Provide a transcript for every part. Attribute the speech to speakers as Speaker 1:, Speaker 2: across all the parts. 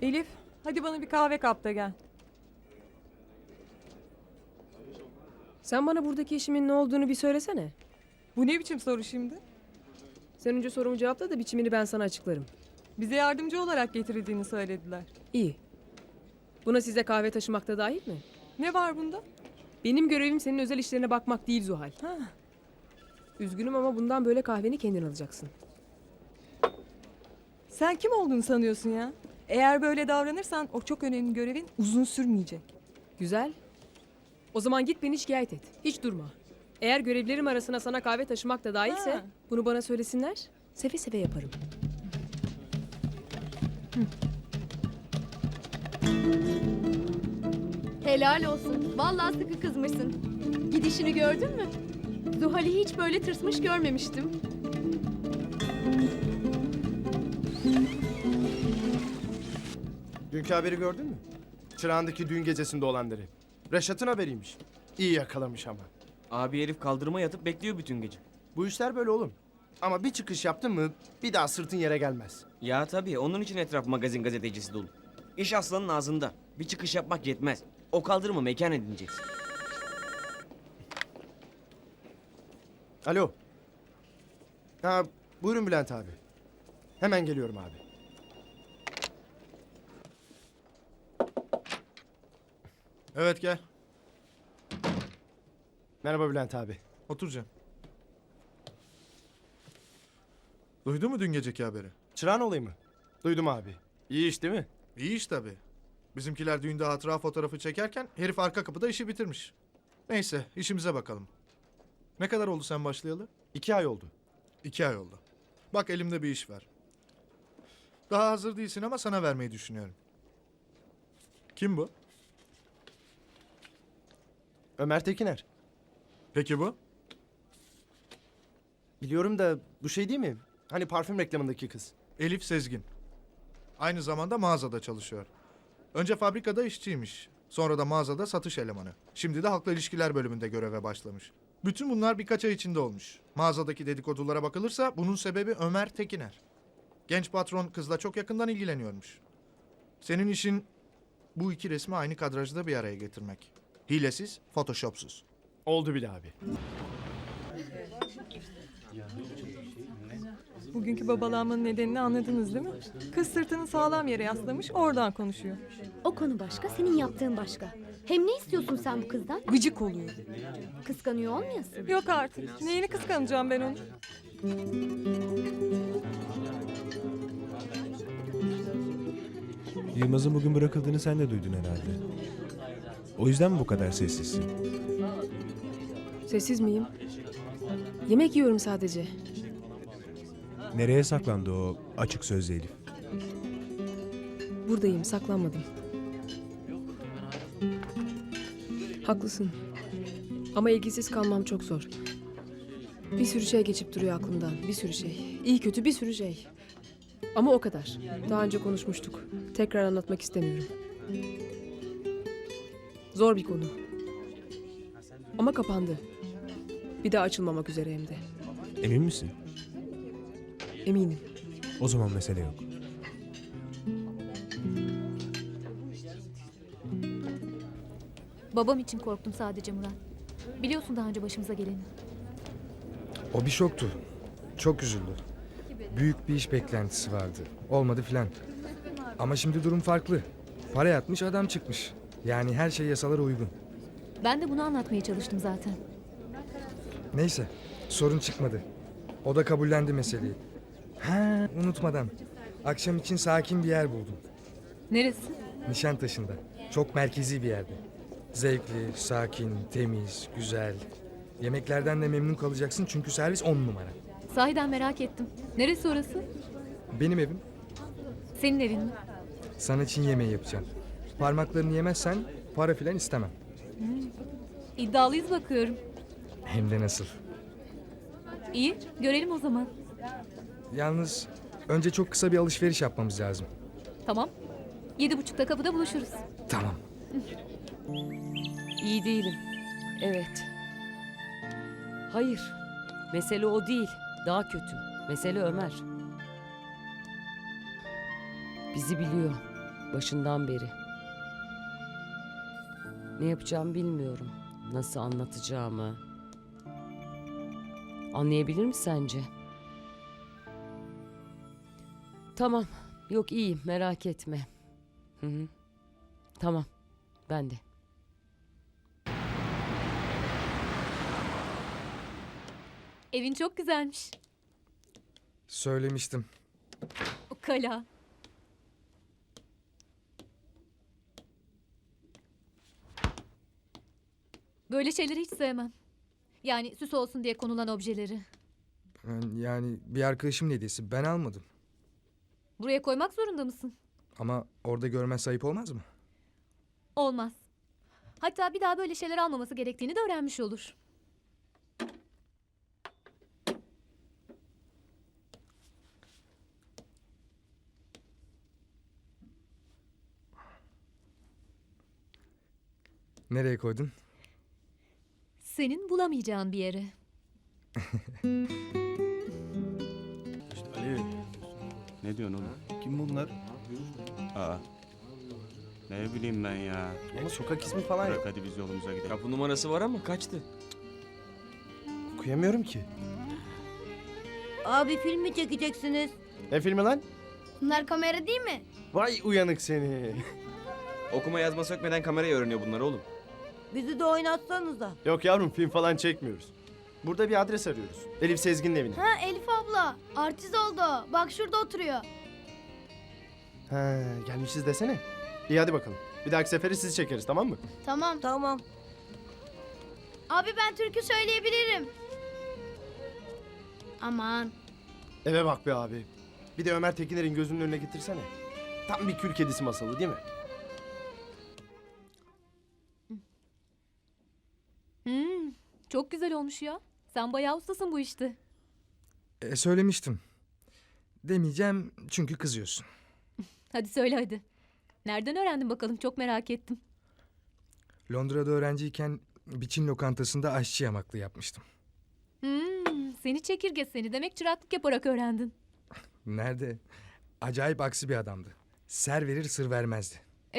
Speaker 1: Elif, hadi bana bir kahve kap da gel.
Speaker 2: Sen bana buradaki işimin ne olduğunu bir söylesene.
Speaker 1: Bu ne biçim soru şimdi?
Speaker 2: Sen önce sorumu cevapla da biçimini ben sana açıklarım.
Speaker 1: Bize yardımcı olarak getirildiğini söylediler.
Speaker 2: İyi. Buna size kahve taşımak da dahil mi?
Speaker 1: Ne var bunda?
Speaker 2: Benim görevim senin özel işlerine bakmak değil Zuhal.
Speaker 1: Ha,
Speaker 2: Üzgünüm ama bundan böyle kahveni kendin alacaksın.
Speaker 1: sen kim olduğunu sanıyorsun ya? Eğer böyle davranırsan o çok önemli görevin uzun sürmeyecek.
Speaker 2: Güzel. O zaman git beni şikayet et. Hiç durma. Eğer görevlerim arasına sana kahve taşımak da dahilse
Speaker 1: Ha.
Speaker 2: bunu bana söylesinler. Seve seve yaparım.
Speaker 3: Helal olsun. Vallahi sıkı kızmışsın. Gidişini gördün mü? Zuhal'i hiç böyle tırsmış görmemiştim.
Speaker 4: Dünkü haberi gördün mü? Çırağan'daki düğün gecesinde olanları. Reşat'ın haberiymiş. İyi yakalamış ama.
Speaker 5: Abi herif kaldırıma yatıp bekliyor bütün gece.
Speaker 4: Bu işler böyle oğlum. Ama bir çıkış yaptın mı bir daha sırtın yere gelmez.
Speaker 5: Ya tabii onun için etraf magazin gazetecisi dolu. İş aslanın ağzında. Bir çıkış yapmak yetmez. O kaldırımı mekan edineceksin.
Speaker 4: Alo. Ha, buyurun Bülent abi. Hemen geliyorum abi.
Speaker 6: Evet gel.
Speaker 4: Merhaba Bülent abi.
Speaker 6: Otur Cem. Duydun mu dün geceki haberi?
Speaker 4: Çırağan olayı mı? Duydum abi. İyi iş değil mi?
Speaker 6: İyi iş tabii. Bizimkiler düğünde hatıra fotoğrafı çekerken herif arka kapıda işi bitirmiş. Neyse işimize bakalım. Ne kadar oldu sen başlayalı?
Speaker 4: 2 ay oldu.
Speaker 6: 2 ay oldu. Bak elimde bir iş var. Daha hazır değilsin ama sana vermeyi düşünüyorum. Kim bu?
Speaker 4: Ömer Tekiner.
Speaker 6: Peki bu?
Speaker 4: Biliyorum da bu şey değil mi? Hani parfüm reklamındaki kız.
Speaker 6: Elif Sezgin. Aynı zamanda mağazada çalışıyor. Önce fabrikada işçiymiş. Sonra da mağazada satış elemanı. Şimdi de halkla ilişkiler bölümünde göreve başlamış. Bütün bunlar birkaç ay içinde olmuş. Mağazadaki dedikodulara bakılırsa bunun sebebi Ömer Tekiner. Genç patron kızla çok yakından ilgileniyormuş. Senin işin bu iki resmi aynı kadrajda bir araya getirmek. Hilesiz, photoshopsuz.
Speaker 4: Oldu bile abi.
Speaker 1: Bugünkü babalanmanın nedenini anladınız değil mi? Kız sırtını sağlam yere yaslamış, oradan konuşuyor.
Speaker 3: O konu başka, senin yaptığın başka. Hem ne istiyorsun sen bu kızdan?
Speaker 1: Gıcık oluyor.
Speaker 3: Kıskanıyor olmayasın.
Speaker 1: Yok artık. Neyini kıskanacağım ben onu?
Speaker 7: Yılmaz'ın bugün bırakıldığını sen de duydun herhalde. O yüzden mi bu kadar sessizsin?
Speaker 2: Sessiz miyim? Yemek yiyorum sadece.
Speaker 7: Nereye saklandı o açık sözlü Elif?
Speaker 2: Buradayım, saklanmadım. Haklısın. Ama ilgisiz kalmam çok zor. Bir sürü şey geçip duruyor aklımdan. Bir sürü şey. İyi kötü bir sürü şey. Ama o kadar. Daha önce konuşmuştuk. Tekrar anlatmak istemiyorum. Zor bir konu. Ama kapandı. Bir daha açılmamak üzere hem de.
Speaker 7: Emin misin?
Speaker 2: Eminim.
Speaker 7: O zaman mesele yok.
Speaker 8: Babam için korktum sadece Murat. Biliyorsun daha önce başımıza geleni.
Speaker 9: O bir şoktu. Çok üzüldü. Büyük bir iş beklentisi vardı. Olmadı filan. Ama şimdi durum farklı. Para yatmış adam çıkmış. Yani her şey yasalara uygun.
Speaker 8: Ben de bunu anlatmaya çalıştım zaten.
Speaker 9: Neyse sorun çıkmadı. O da kabullendi meseleyi. Ha unutmadan. Akşam için sakin bir yer buldum.
Speaker 8: Neresi?
Speaker 9: Nişantaşı'nda. Çok merkezi bir yerde. Zevkli, sakin, temiz, güzel. Yemeklerden de memnun kalacaksın çünkü servis 10 numara.
Speaker 8: Sahiden merak ettim. Neresi orası?
Speaker 9: Benim evim.
Speaker 8: Senin evin mi?
Speaker 9: Sana Çin yemeği yapacağım. Parmaklarını yemezsen para filan istemem.
Speaker 8: İddialıyız bakıyorum.
Speaker 9: Hem de nasıl.
Speaker 8: İyi, görelim o zaman.
Speaker 9: Yalnız önce çok kısa bir alışveriş yapmamız lazım.
Speaker 8: Tamam. 7.30'da kapıda buluşuruz.
Speaker 9: Tamam.
Speaker 10: İyi değilim. Evet. Hayır. Mesele o değil. Daha kötü. Mesele Ömer. Bizi biliyor. Başından beri. Ne yapacağımı bilmiyorum. Nasıl anlatacağımı. Anlayabilir mi sence? Tamam. Yok iyiyim merak etme. Hı hı. Tamam. Ben de.
Speaker 3: Evin çok güzelmiş.
Speaker 9: Söylemiştim.
Speaker 3: O kala. Böyle şeyleri hiç sevmem. Yani süs olsun diye konulan objeleri.
Speaker 9: Yani bir arkadaşımın hediyesi. Ben almadım.
Speaker 3: Buraya koymak zorunda mısın?
Speaker 9: Ama orada görmez ayıp olmaz mı?
Speaker 3: Olmaz. Hatta bir daha böyle şeyler almaması gerektiğini de öğrenmiş olur.
Speaker 9: Nereye koydun?
Speaker 3: Senin bulamayacağın bir yere.
Speaker 11: Ali. Ne diyorsun oğlum?
Speaker 4: Kim bunlar?
Speaker 11: Aa. Ne bileyim ben ya.
Speaker 4: Ama sokak ismi falan
Speaker 11: Bırak
Speaker 4: yok.
Speaker 11: hadi biz yolumuza gidelim.
Speaker 5: Kapı numarası var ama kaçtı.
Speaker 4: Okuyamıyorum ki.
Speaker 12: Abi film mi çekeceksiniz?
Speaker 4: Ne filmi lan?
Speaker 12: Bunlar kamera değil mi?
Speaker 4: Vay uyanık seni.
Speaker 5: Okuma yazma sökmeden kamerayı öğreniyor bunlar oğlum.
Speaker 12: Bizi de oynatsanıza.
Speaker 4: Yok yavrum film falan çekmiyoruz. Burada bir adres arıyoruz. Elif Sezgin'in evine.
Speaker 12: Ha Elif abla. Artist oldu. Bak şurada oturuyor.
Speaker 4: Ha, gelmişiz desene. İyi hadi bakalım. Bir dahaki sefere sizi çekeriz tamam mı?
Speaker 12: Tamam. Tamam. Abi ben türkü söyleyebilirim. Aman.
Speaker 4: Eve bak be abi. Bir de Ömer Tekiner'in gözünün önüne getirsene. Tam bir kül kedisi masalı değil mi?
Speaker 3: Çok güzel olmuş ya. Sen bayağı ustasın bu işte.
Speaker 9: Söylemiştim. Demeyeceğim çünkü kızıyorsun.
Speaker 3: Hadi söyle hadi. Nereden öğrendin bakalım, çok merak ettim.
Speaker 9: Londra'da öğrenciyken bir Çin lokantasında aşçı yamaklığı yapmıştım.
Speaker 3: Seni çekirge seni. Demek çıraklık yaparak öğrendin.
Speaker 9: Nerede? Acayip aksi bir adamdı. Ser verir sır vermezdi.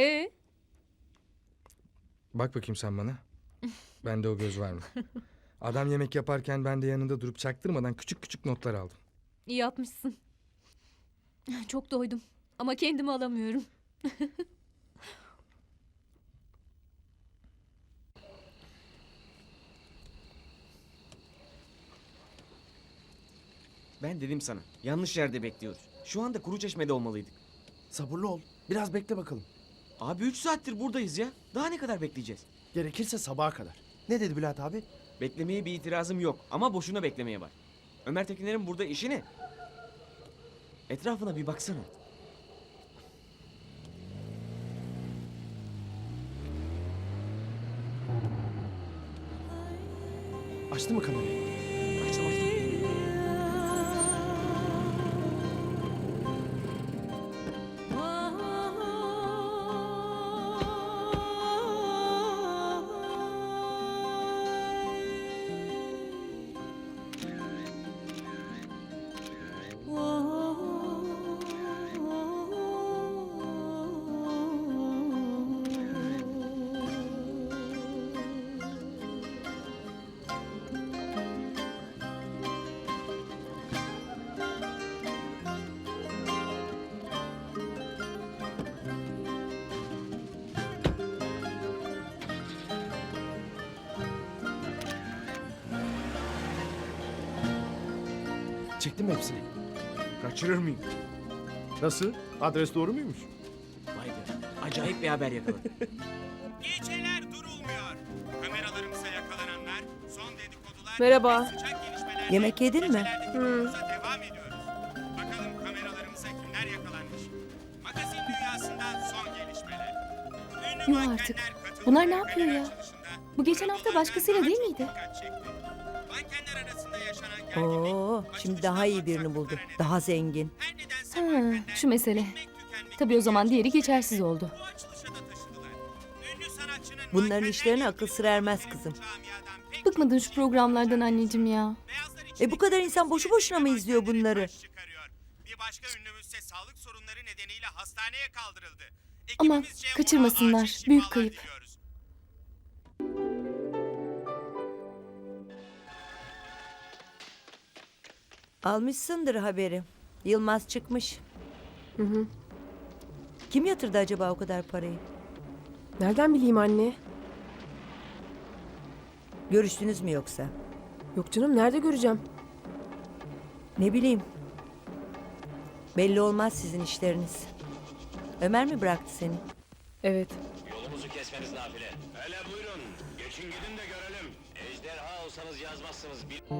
Speaker 9: Bak bakayım sen bana. Bende o göz var mı? Adam yemek yaparken ben de yanında durup çaktırmadan küçük küçük notlar aldım.
Speaker 3: İyi yapmışsın. Çok doydum. Ama kendimi alamıyorum.
Speaker 5: Ben dedim sana. Yanlış yerde bekliyoruz. Şu anda Kuruçeşme'de olmalıydık.
Speaker 4: Sabırlı ol. Biraz bekle bakalım.
Speaker 5: Abi 3 saattir buradayız ya. Daha ne kadar bekleyeceğiz?
Speaker 4: Gerekirse sabaha kadar. Ne dedi Bülent abi?
Speaker 5: Beklemeye bir itirazım yok ama boşuna beklemeye var. Ömer Tekiner'in burada işi ne? Etrafına bir baksana.
Speaker 4: Açtı mı kamerayı?
Speaker 5: Açtım açtım.
Speaker 4: Çektin mi hepsini?
Speaker 5: Kaçırır mıyım?
Speaker 4: Nasıl? Adres doğru muymuş?
Speaker 5: Vay be. Acayip bir haber yakaladım.
Speaker 11: Geceler durulmuyor. Kameralarımıza yakalananlar, son dedikodular...
Speaker 2: Merhaba.
Speaker 11: Sıcak gelişmeler...
Speaker 12: Yemek yedin mi?
Speaker 11: Devam ediyoruz. Bakalım kameralarımıza kimler yakalanmış. Magazin dünyasından son gelişmeler. Ünlü
Speaker 3: Yuh
Speaker 11: mankenler
Speaker 3: artık.
Speaker 11: katıldı.
Speaker 3: Bunlar ne yapıyor
Speaker 11: Kamera
Speaker 3: ya?
Speaker 11: açılışında
Speaker 3: Bu geçen hafta
Speaker 11: Anadolu'dan
Speaker 3: başkasıyla
Speaker 11: daha
Speaker 3: değil
Speaker 11: çok
Speaker 3: miydi?
Speaker 11: dikkat çekti. Mankenler arasında yaşanan gerginlik...
Speaker 12: Oo, şimdi daha iyi birini buldu. Daha zengin.
Speaker 11: Her nedense
Speaker 3: Ha,
Speaker 11: mankenler
Speaker 3: şu mesele.
Speaker 11: bitmek tükenmek
Speaker 3: Tabii o zaman diğeri
Speaker 11: gerçekten
Speaker 3: geçersiz oldu.
Speaker 11: bu açılışa da taşıdılar. Ünlü sanatçının
Speaker 12: Bunların
Speaker 11: mankenler
Speaker 12: işlerine
Speaker 11: yaptığı
Speaker 12: akıl sır ermez
Speaker 11: bu
Speaker 12: kızım.
Speaker 11: camiadan pek
Speaker 3: Bıkmadın şu programlardan anneciğim ya.
Speaker 11: beyazlar
Speaker 12: Bu kadar insan boşu boşuna mı izliyor bunları?
Speaker 11: baş çıkarıyor. Bir başka ünlümüzse sağlık sorunları nedeniyle hastaneye kaldırıldı.
Speaker 3: Ama
Speaker 11: Ekibimizce
Speaker 3: kaçırmasınlar,
Speaker 11: buna acil
Speaker 3: büyük
Speaker 11: şifalar
Speaker 3: kayıp.
Speaker 11: diliyoruz.
Speaker 13: Almışsındır haberi. Yılmaz çıkmış.
Speaker 2: Hı hı.
Speaker 13: Kim yatırdı acaba o kadar parayı?
Speaker 2: Nereden bileyim anne?
Speaker 13: Görüştünüz mü yoksa?
Speaker 2: Yok canım, nerede göreceğim?
Speaker 13: Ne bileyim. Belli olmaz sizin işleriniz. Ömer mi bıraktı seni?
Speaker 2: Evet.
Speaker 11: Yolumuzu kesmeniz nafile. Hele buyurun. Geçin gidin de görelim. Ejderha olsanız yazmazsınız.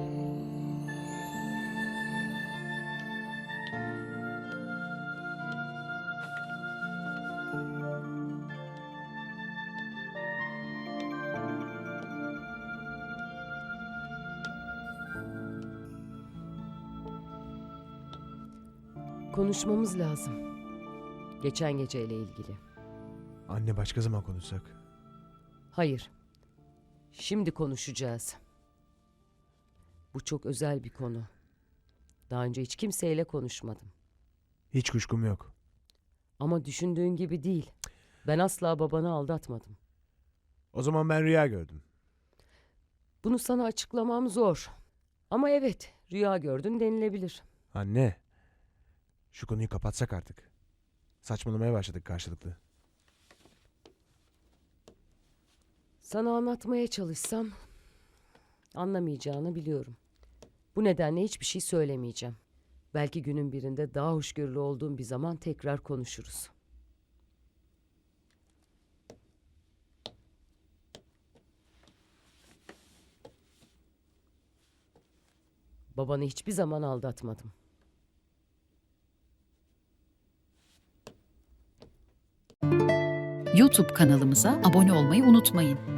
Speaker 10: Konuşmamız lazım. Geçen geceyle ilgili.
Speaker 7: Anne başka zaman konuşsak.
Speaker 10: Hayır. Şimdi konuşacağız. Bu çok özel bir konu. Daha önce hiç kimseyle konuşmadım.
Speaker 7: Hiç kuşkum yok.
Speaker 10: Ama düşündüğün gibi değil. Ben asla babanı aldatmadım.
Speaker 7: O zaman ben rüya gördüm.
Speaker 10: Bunu sana açıklamam zor. Ama evet, rüya gördün denilebilir.
Speaker 7: Anne. Şu konuyu kapatsak artık. Saçmalamaya başladık karşılıklı.
Speaker 10: Sana anlatmaya çalışsam anlamayacağını biliyorum. Bu nedenle hiçbir şey söylemeyeceğim. Belki günün birinde daha hoşgörülü olduğum bir zaman tekrar konuşuruz. Babanı hiçbir zaman aldatmadım.
Speaker 8: YouTube kanalımıza abone olmayı unutmayın.